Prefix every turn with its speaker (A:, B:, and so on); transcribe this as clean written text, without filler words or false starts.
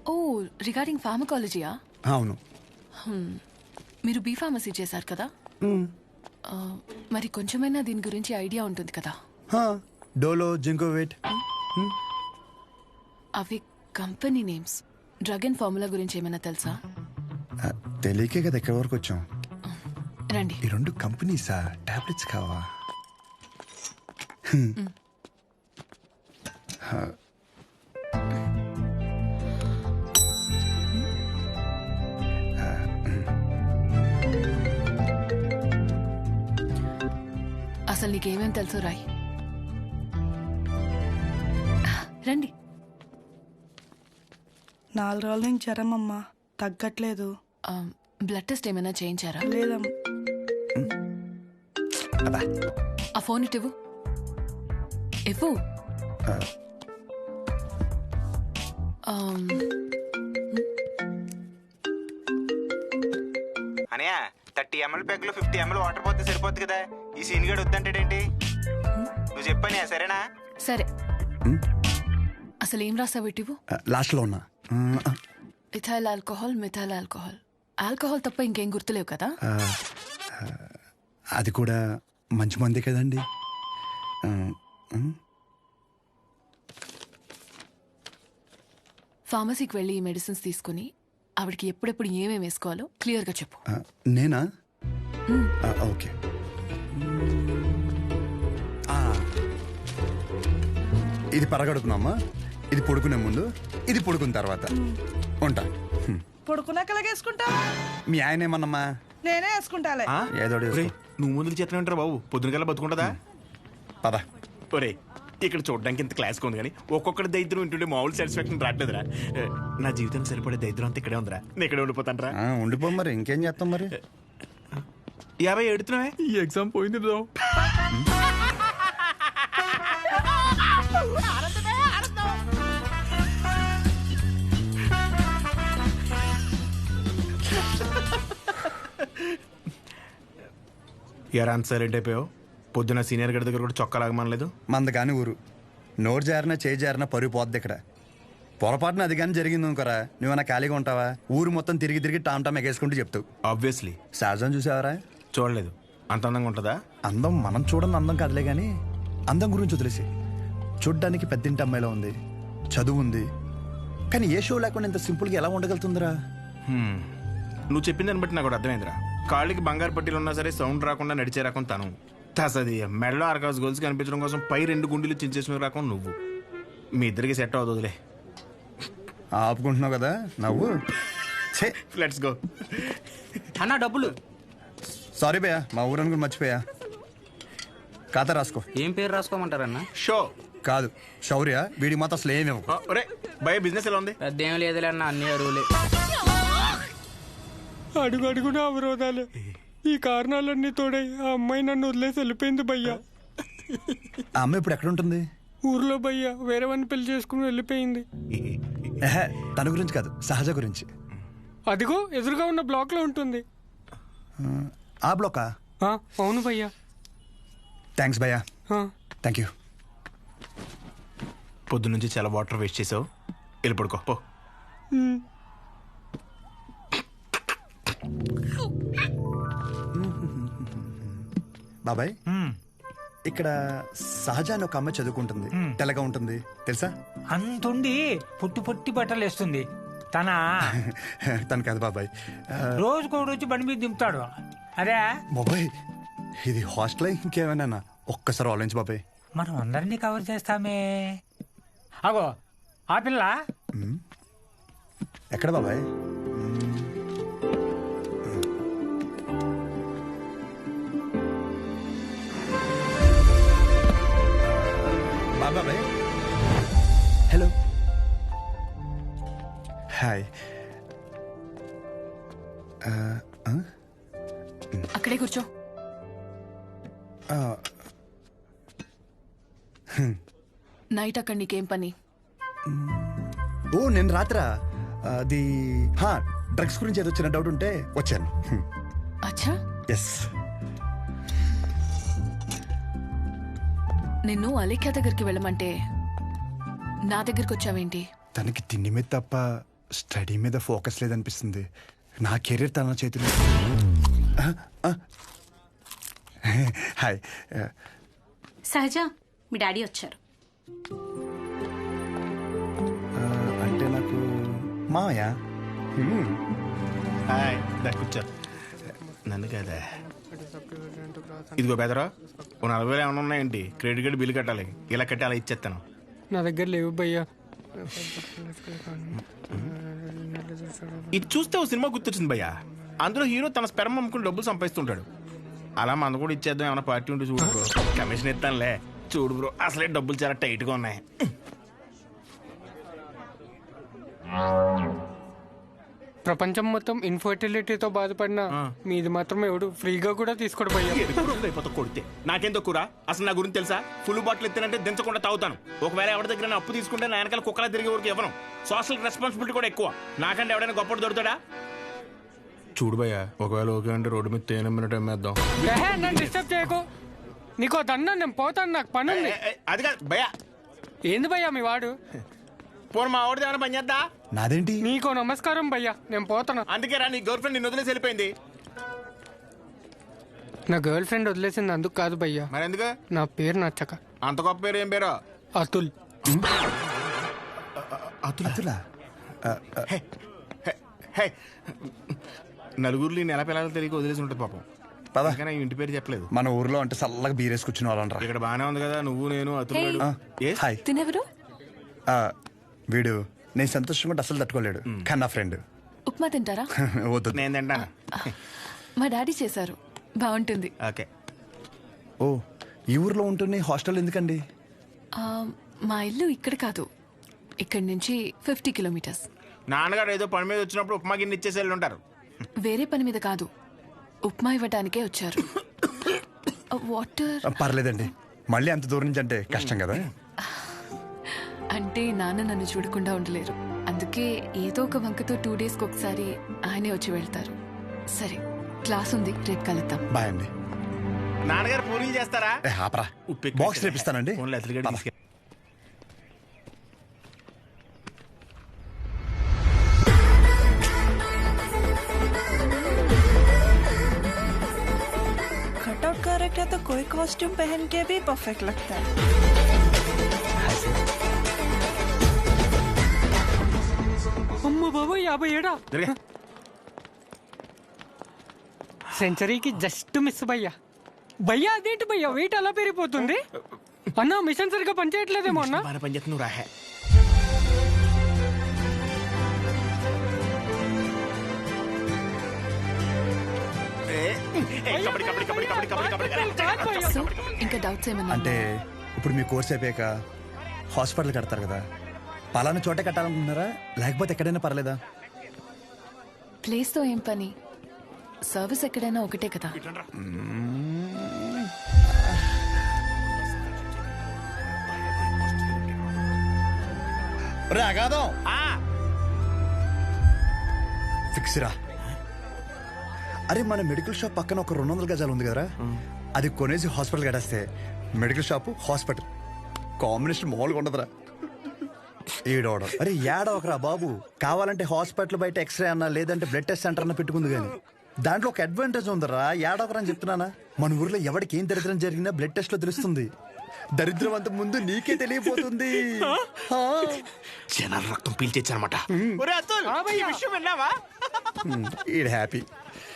A: ఓ regarding ఫార్మకాలజీయా?
B: అవును.
A: మీరు B pharmacy చేశారు కదా, మరి కొంచెమైనా దీని గురించి ఐడియా ఉంటుంది కదా?
B: డోలో, జింకోవేట్.
A: అవి company names. Drug and formula గురించి ఏమైనా తెలుసా?
B: తెలియకే కదా ఎక్కడి వరకు వచ్చాం.
A: రండి.
B: ఈ రెండు కంపెనీసా? టాబ్లెట్స్ కావా?
A: అసలు నీకేమేం తెలుసు రాయ్. రండి.
C: 4 రోజుల నుంచి జ్వరం అమ్మా, తగ్గట్లేదు.
A: బ్లడ్ టెస్ట్ ఏమైనా చేయించారా?
C: లేదమ్మా.
A: ఆ ఫోన్ ఇటు ఇవ్వు.
D: అనయా 30 ml ప్యాక్లో 50 ml వాటర్ పోతే సరిపోద్ది కదా. ఈ సీన్ గడు వద్దంటాడేంటి? నువ్వు చెప్పానే సరేనా?
A: సరే. అసలు ఏం రాసావు ఇటు?
B: లాస్ట్ లో ఉన్నా.
A: Ethyl alcohol, methyl alcohol. Alcohol తప్ప ఇంకేం గుర్తులేవు కదా?
B: అది కూడా మంచి మంది కదండి.
A: ఫార్మసీకి వెళ్ళి ఈ మెడిసిన్స్ తీసుకుని ఆవిడకి ఎప్పుడెప్పుడు ఏమేమి వేసుకోవాలో క్లియర్గా చెప్పు.
B: నేనా? ఓకే. ఇది పరగడుపునమ్మా, ఇది పడుకునే ముందు, ఇది పడుకున్న తర్వాత. ఉంటా.
C: పడుకున్నాక వేసుకుంటా.
B: మీ ఆయన ఏమన్నమ్మా?
C: నేనే వేసుకుంటాలే.
B: ఏదో
D: నువ్వు ముందుకు చేతనే ఉంటారు బాబు. పొద్దునకల్లా బతుకుంటుందా?
B: పద.
D: ఒరే ఇక్కడ చూడడానికి ఇంత క్లాస్గా ఉంది కానీ ఒక్కొక్కటి దరిద్రం వింటుంటే మామూలు సాటిస్ఫాక్షన్ రావట్లేదురా. నా జీవితం సరిపడే దరిద్రం అంతా ఇక్కడే ఉందిరా. నేను ఇక్కడే ఉండిపోతాను రా.
B: ఉండిపో మరి, ఇంకేం చేస్తాం మరి.
D: 50 ఎడుతున్నావే. ఈ ఎగ్జామ్ పోయింది బ్రో. ఎరా అంత సైలెంట్ అయిపోయావు? పొద్దున సీనియర్ గడి దగ్గర కూడా చొక్కా లాగమనలేదు.
B: మంద కానీ ఊరు నోరు జారినా చేయి జారినా పరుగు పోద్ది ఇక్కడ. పొరపాటున అది కానీ జరిగింది అనుకోరా, నువ్వన్నా ఖాళీగా ఉంటావా? ఊరు మొత్తం తిరిగి తిరిగి టామ్ టామ్ ఎగేసుకుంటూ చెప్తావు.
D: ఆబ్వియస్లీ.
B: సహజం చూసావరా?
D: చూడలేదు. అంత అందంగా ఉంటుందా?
B: అందం మనం చూడని అందం కాదులే కానీ అందం గురించి వదిలేసి. చూడ్డానికి పెద్దింటి అమ్మాయిలో ఉంది, చదువు ఉంది, కానీ ఏ షో లేకుండా ఇంత సింపుల్గా ఎలా ఉండగలుగుతుందిరా?
D: నువ్వు చెప్పిన దాన్ని బట్టి నాకు కూడా అర్థమైందిరా. కాళ్ళకి బంగారు పట్టీలు ఉన్నా సరే సౌండ్ రాకుండా నడిచే రకం తను. తసది మెడలో ఆర్కాస్ గోల్స్ కనిపించడం కోసం పై 2 గుండెలు చించేసిన రకం నువ్వు. మీ ఇద్దరికి సెట్ అవుతుందిలే.
B: ఆపుకుంటున్నావు కదా నవ్వు.
D: Let's go.
E: అన్నా డబ్బులు.
B: సారీ భయ్యా, మా ఊరని కూడా మర్చిపోయా. ఖాతా రాసుకో.
E: ఏం పేరు రాసుకోమంటారన్నా?
D: షో
B: కాదు, శౌర్య. వీడి మాత్రం అసలు ఏమేమో.
D: ఒరే భయ బిజినెస్ ఎలా ఉంది?
E: పెద్ద ఏం లేదులే అన్న, అన్ని అరువులే.
F: అడుగు అడుగున అవరోధాలే. ఈ కారణాలన్నీ తోడై ఆ అమ్మాయి నన్ను వదిలేసి వెళ్ళిపోయింది భయ్యా.
B: ఆ అమ్మాయి ఇప్పుడు ఎక్కడ ఉంటుంది?
F: ఊర్లో భయ్యా, వేరే వాడిని పెళ్లి చేసుకుని వెళ్ళిపోయింది.
B: తన గురించి కాదు, సహజ గురించి.
F: అదిగో ఎదురుగా ఉన్న బ్లాక్ లో ఉంటుంది.
B: ఆ బ్లాకా?
F: అవును భయ్యా.
B: థ్యాంక్స్ భయ్యా. Thank you.
D: పొద్దునుంచి చాలా వాటర్ వేస్ట్ చేసావు. వెళ్ళి పడుకో పో.
B: బాబాయ్, ఇక్కడ సహజ అని ఒక అమ్మాయి చదువుకుంటుంది, తెల్లగా ఉంటుంది తెలుసా?
G: అంతుండి పొట్టి పొట్టి బట్టలు వేస్తుంది.
B: తను కాదు బాబాయ్,
G: రోజుకో రోజు బండి మీద దింపుతాడు. అదే
B: బాబాయ్ ఇది హాస్టల్ ఇంకేమైనా? ఒక్కసారి ఆలోచించు బాబాయ్.
G: మనం అందరినీ కవర్ చేస్తామే. అగో ఆ పిల్ల
B: ఎక్కడ బాబాయ్? బాబాయ్ హలో. హాయ్.
A: అక్కడే కూర్చో. నైట్ అక్కడ నీకేం పని?
B: ఓ నేను రాత్రా అది డ్రగ్స్ గురించి ఏదో చిన్న డౌట్ ఉంటే వచ్చాను.
A: అచ్చా.
B: ఎస్.
A: నిన్ను అలేఖ్య దగ్గరికి వెళ్ళమంటే నా దగ్గరికి వచ్చావేంటి?
B: తనకి తిండి మీద తప్ప స్టడీ మీద ఫోకస్ లేదనిపిస్తుంది. నా కెరీర్ తన చేతిలో. హాయ్.
H: సహజ, మీ డాడీ వచ్చారు.
B: అంటే నాకు మామయ్య.
D: హాయ్, దా కూర్చో. నన్ను కదా ఇదిగో బెదరా, ఓ 40,000 ఏమైనా ఉన్నాయండి? క్రెడిట్ కార్డు బిల్లు కట్టాలి. ఇలా కట్టి అలా ఇచ్చేస్తాను.
F: నా దగ్గర లేవు భయ్యా.
D: ఇది చూస్తే ఓ సినిమా గుర్తొచ్చింది భయ్యా. అందులో హీరో తన స్పెర్మ్ అమ్ముకుని డబ్బులు సంపాదిస్తుంటాడు. అలా మన కూడా ఇచ్చేద్దాం, ఏమైనా పార్టీ ఉంటే చూడు బ్రో. కమిషన్ ఇస్తానులే. చూడు బ్రో, అసలే డబ్బులు చాలా టైట్గా ఉన్నాయి.
F: ప్రపంచం మొత్తం ఇన్ఫర్టిలిటీతో బాధపడిన మీది మాత్రం ఎవడు ఫ్రీగా కూడా తీసుకోడు భయ్యా.
D: అయిపోతా కొడితే నాకేం తక్కువ. అసలు నా గురించి తెలుసా? ఫుల్ బాటిల్ ఎత్తానంటే దించకుండా తాగుతాను. ఒకవేళ ఎవరి దగ్గర నా అప్పు తీసుకుంటే నా వెనకాల కుక్కలా తిరిగే వరకు ఇవ్వను. సోషల్ రెస్పాన్సిబిలిటీ కూడా ఎక్కువ. నాకంటే ఎవడైనా గొప్పడు దొరుకుతాడా? చూడు భయ్యా, ఒకవేళ ఓకే అంటే రోడ్డు మీద తేనె మినిట్ అమ్మేద్దాం.
F: నన్ను డిస్టర్బ్ చేయకు. నీకో దన్నా, నేను పోతాను, నాకు పని ఉంది.
D: అది కాదు భయ్యా.
F: ఏంది భయ్యా మీ వాడు?
D: పోను మా వాడిది ఏమైనా పని చేద్దా?
B: నాదేంటి?
F: నీకో నమస్కారం భయ్యా, నేను పోతాను.
D: అందుకే రా, నీ గర్ల్ ఫ్రెండ్ నిన్ను వదిలేసి వెళ్ళిపోయింది.
F: నా గర్ల్ ఫ్రెండ్ వదిలేసింది అందుకు కాదు భయ్యా.
D: మరి ఎందుకు?
F: నా పేరు నచ్చక.
D: అంత గొప్ప పేరు ఏం పేరు?
F: అతుల్.
B: అతులా?
D: నలుగురిలో నెల పిల్లలు తెలియక వదిలేసి ఉంటుంది పాపం.
B: పద.
D: ఇంకా నా ఇంటి పేరు చెప్పలేదు.
B: మన ఊర్లో అంటే చల్లగా బీరేసుకొచ్చిన వాళ్ళరా.
D: ఇక్కడ బానే ఉంది కదా, నువ్వు నేను అతులు.
B: హాయ్.
A: తినెవరు?
B: వీడు నేను సంతోషంగా ఉంటే అసలు తట్టుకోలేడు, కానీ నా ఫ్రెండ్.
A: ఉప్మా తింటారా?
B: వద్దు.
D: నేను తింటాను.
A: మా డాడీ చేశారు, బాగుంటుంది.
D: ఓకే.
B: ఓ, ఈ ఊర్లో ఉంటున్న హాస్టల్ ఎందుకండి?
A: ఆ, మా ఇల్లు ఇక్కడ కాదు, ఇక్కడి నుంచి 50 కిలోమీటర్స్.
D: నాన్నగారు ఏదో పని మీద వచ్చినప్పుడు ఉప్మా గిన్నె ఇచ్చేసి వెళ్ళి ఉంటారు.
A: వేరే పని మీద కాదు, ఉప్మా ఇవ్వడానికే వచ్చారు. వాటర్
B: పర్లేదండి, మళ్ళీ అంత దూరం నుంచి అంటే కష్టం కదా.
A: అంటే నాన్న నన్ను చూడకుండా ఉండలేరు, అందుకే ఏదో ఒక వంకతో 2 డేస్కి ఒకసారి ఆయనే వచ్చి వెళ్తారు. సరే, క్లాస్ ఉంది, రేపు కలుద్దాం.
B: బాయ్ అండి.
D: నాన్నగారు పూరీలు చేస్తారా?
B: ఆపరా, బాక్స్ రేపిస్తానండి.
D: ఫోన్లో అతలిగడ్డ తీసుకెళ్ళి.
C: कटआउट कैरेक्टर तो कोई कॉस्ट्यूम पहन के भी परफेक्ट लगता है.
F: అమ్మ బాబు, 57.
D: జరిగా
F: సెంచరీకి జస్ట్ మిస్ భయ్యా. భయ్యా అదేంటి భయ్యా, వెయిట్ అలా పెరిగిపోతుంది? అన్న మిషన్ సరిగ్గా పనిచేయట్లేదేమో అన్న.
D: బాగా పని చేస్తుంది, నువ్వు రాహే.
A: సో ఇంకా డౌట్స్ ఏమన్నా?
B: అంటే ఇప్పుడు మీ కోర్స్ అయిపోయాక హాస్పిటల్ కడతారు కదా, పలానా చోటే కట్టాలనుకుంటున్నారా లేకపోతే ఎక్కడైనా పర్లేదా?
A: ప్లేస్తో ఏం పని, సర్వీస్ ఎక్కడైనా ఒకటే కదా.
B: రాగాదం ఫిక్స్ రా. అరే, మన మెడికల్ షాప్ పక్కన ఒక 200 గజాలు ఉంది కదరా, అది కొనేసి హాస్పిటల్ కట్టేస్తే మెడికల్ షాప్ హాస్పిటల్ కాంబినేషన్ మామూలుగా ఉండదురా. ఏడవడం అరే ఏడవకరా బాబు, కావాలంటే హాస్పిటల్ బయట ఎక్స్రే అన్నా లేదంటే బ్లడ్ టెస్ట్ సెంటర్ అన్న పెట్టుకుంది, కానీ దాంట్లో ఒక అడ్వాంటేజ్ ఉందరా. ఏడవకరా అని చెప్తున్నానా. మన ఊర్లో ఎవరికి ఏం దరిద్రం జరిగినా బ్లడ్ టెస్ట్ లో తెలుస్తుంది. దరిద్రం అంత ముందు నీకే తెలియపోతుంది.
D: జనాలు రక్తం పీల్చేచ్చనమాట.
B: ఈడ హ్యాపీ.